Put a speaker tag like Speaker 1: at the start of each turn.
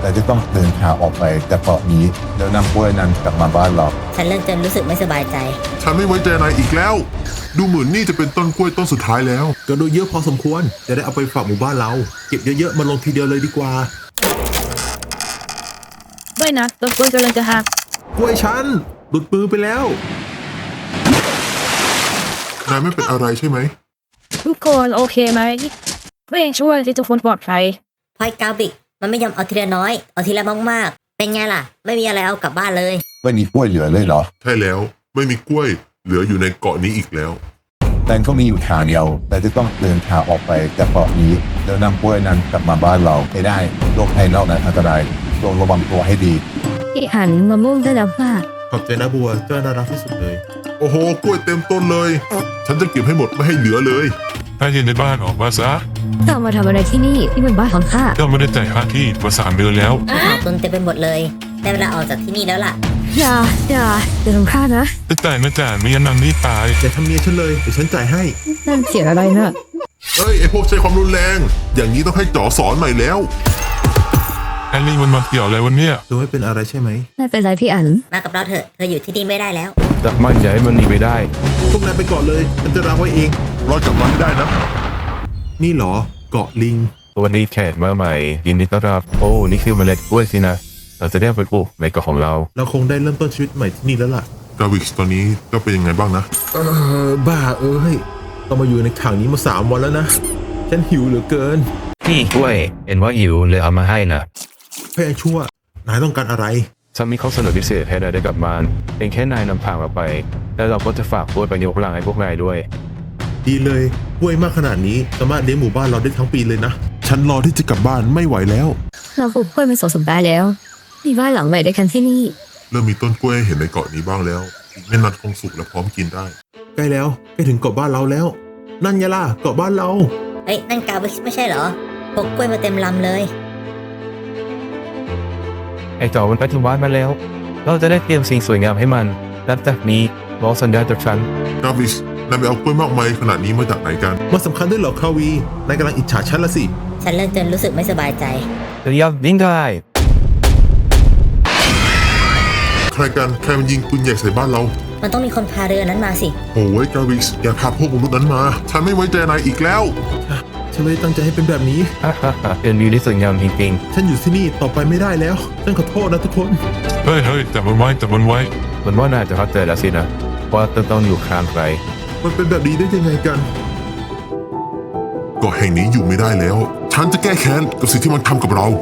Speaker 1: แต่จะต้องเดินทางออกไปจากเกาะนี้แล้วนำกล้วยนั้นกลับมาบ้านเรา
Speaker 2: ฉันเริ่มจะรู้สึกไม่สบายใจ
Speaker 3: ฉันไม่ไว้ใจนายอีกแล้ว ดูเหมือนนี่จะเป็นต้นกล้วยต้นสุดท้ายแล้ว
Speaker 4: ก็ดูเยอะพอสมควรจะได้เอาไปฝากหมู่บ้านเรา เก็บเยอะๆมาลงทีเดียวเลยดีกว่า
Speaker 5: ไม่นะต้นกล้วยกำลังจะหัก
Speaker 4: กล้วยฉันหลุดมือไปแล้ว
Speaker 3: นายไม่เป็นอะไรใช่ไหม
Speaker 5: ทุกคนโอเคไหมไม่ช่วยที่ทุกคนปลอดภัย
Speaker 2: พอยกาบิกมันไม่ยอมเอาทีละน้อย เอาทีละมากๆ เป็นไงล่ะ ไม่มีอะไรเอากลับบ้านเลย
Speaker 1: ไม่มีกล้วยเหลือเลยเหรอ
Speaker 3: ใช่แล้วไม่มีกล้วยเหลืออยู่ในเกาะนี้อีกแล้ว
Speaker 1: แต่ก็มีอยู่ทางเดียว แต่จะต้องเดินทางออกไปจากเกาะนี้แล้วนำกล้วยนั้นกลับมาบ้านเราให้ได้โลกภายนอกนั้นอันตรายต้องระวังตัวให้ดี
Speaker 5: ที่หันมะม่วงได้แล้วค่ะ
Speaker 4: ขอบใจนะบัวเจ้าน่ารักที่สุดเลย
Speaker 3: โอ้โหกล้วยเต็มต้นเลย ฉันจะเก็บให้หมดไม่ให้เหลือเลย
Speaker 6: ถ้าอยู่ในบ้านออกมาซะ
Speaker 5: เจ้ามาทำอะไรที่นี่ที่เป็นบ้านของข้า
Speaker 6: เจ้าไม่ได้จ่ายค่าที่มา3 เดือนแล้ว
Speaker 2: ขาดตุนเต็มไปหมดเลยได้เวลาออกจากที่นี่แล้วล่ะ
Speaker 5: อย่าทำข้านะ
Speaker 6: แต่จ่ายไม่จ่ายไม่งั้นนางนี่ตาย
Speaker 4: อย่าทำเมียฉันเลยเดี๋ยวฉันจ่ายให้
Speaker 5: นั่นเสียงอะไรนะ
Speaker 3: เอ้ยไอพวกใช้ความรุนแรง อย่างนี้ต้องให้จ๋อสอนใหม่แล้ว
Speaker 6: แอลลี่มันมาเกี่ยวอะไรวันเนี้ย
Speaker 4: ดูไม่เป็นอะไรใช่ไหม
Speaker 5: ไม่เป็นไรพี่อัน
Speaker 2: มากับเราเถอะเธออยู่ที่นี่ไม่ได้แล้ว
Speaker 7: จับมันอย่าให้มันหนีไปได้
Speaker 4: พวกนายไปก่อนเลยฉันจะรับไว้เอง
Speaker 3: รอดกลับมาให้ได้นะ
Speaker 4: นี่เหรอเกาะลิง
Speaker 7: วันนี้แขกมาใหม่ยินดีต้อนรับ โอ้ นี่คือเมล็ดกล้วยสินะ เราจะได้เอาไปปลูกในเกาะของเรา
Speaker 4: เราคงได้เริ่มต้นชีวิตใหม่ที่นี่แล้วล่ะ
Speaker 3: กาวิกตอนนี้ก็เป็นยังไงบ้างนะ
Speaker 4: บ้าเอ้ยต้องมาอยู่ในขังนี้มา3 วันแล้วนะ ฉันหิวเหลือเกิน
Speaker 7: นี่กล้วยเห็นว่าหิวเลยเอามาให้นะ
Speaker 4: พยายชั่ว นายต้องการอะไร
Speaker 7: ฉันมีข้อเสนอพิเศษให้นายได้กลับบ้านเพียงแค่นายนำทางเราไป แล้วเราก็จะฝากกล้วยไปยกพลังให้พวกนายด้วย
Speaker 4: ดีเลยกล้วยมากขนาดนี้สามารถเลี้ยงหมู่บ้านเราได้ทั้งปีเลยนะ
Speaker 3: ฉันรอที่จะกลับบ้านไม่ไหวแล้ว
Speaker 5: เราปลูกกล้วยมา2 สัปดาห์แล้ว มีบ้านหลังใหม่ด้วยกันที่นี่
Speaker 3: เริ่มมีต้นกล้วยให้เห็นในเกาะนี้บ้างแล้ว อีกไม่นานคงสุกและพร้อมกินได้
Speaker 4: ใกล้แล้วใกล้ถึงเกาะบ้านเราแล้ว นั่นไงล่ะเกาะบ้านเรา
Speaker 2: เฮ้ยนั่นกาบิกไม่ใช่เหรอพกกล้วยมาเต็มลำเลย
Speaker 7: ไอ้จอมันไปถึงบ้านมาแล้ว เราจะได้เตรียมสิ่งสวยงามให้มันนับจากนี้รอสัญญาณจากฉัน
Speaker 3: กาวิกนายไปเอากล้วยมากมายขนาดนี้มาจากไหนกัน
Speaker 4: มันสำคัญด้วยเหรอคาวีนายกำลังอิจฉาฉันละสิ
Speaker 2: ฉันเริ่มจะรู้สึกไม่สบายใจ
Speaker 7: เรียบวิ่งได้
Speaker 3: ใครกันใครมันยิงปืนใหญ่ใส่บ้านเรา
Speaker 2: มันต้องมีคนพาเรือนั้นมาสิ
Speaker 3: โอ้ยกาวิกอย่าพาพวกมนุษย์นั้นมา ฉันไม่ไว้ใจนายอีกแล้ว
Speaker 4: ฉันไม่ได้ตั้งใจให้เป็นแบบนี้
Speaker 7: ฮ่าฮ่าฮ่าเป็นวิวที่สวยงามจริง
Speaker 4: ฉันอยู่ที่นี่ต่อไปไม่ได้แล้วฉันขอโทษนะทุกคน
Speaker 6: เฮ้ยจับมันไว้จับมันไว้
Speaker 7: ๆเหมือนว่านายจะเข้าใจแล้วสินะว่าต้องอยู่ข้างใคร
Speaker 4: มันเป็นแบบนี้ได้ยังไงกัน
Speaker 3: เกาะแห่งนี้อยู่ไม่ได้แล้ว ฉันจะแก้แค้นกับสิ่งที่มันทำกับเรา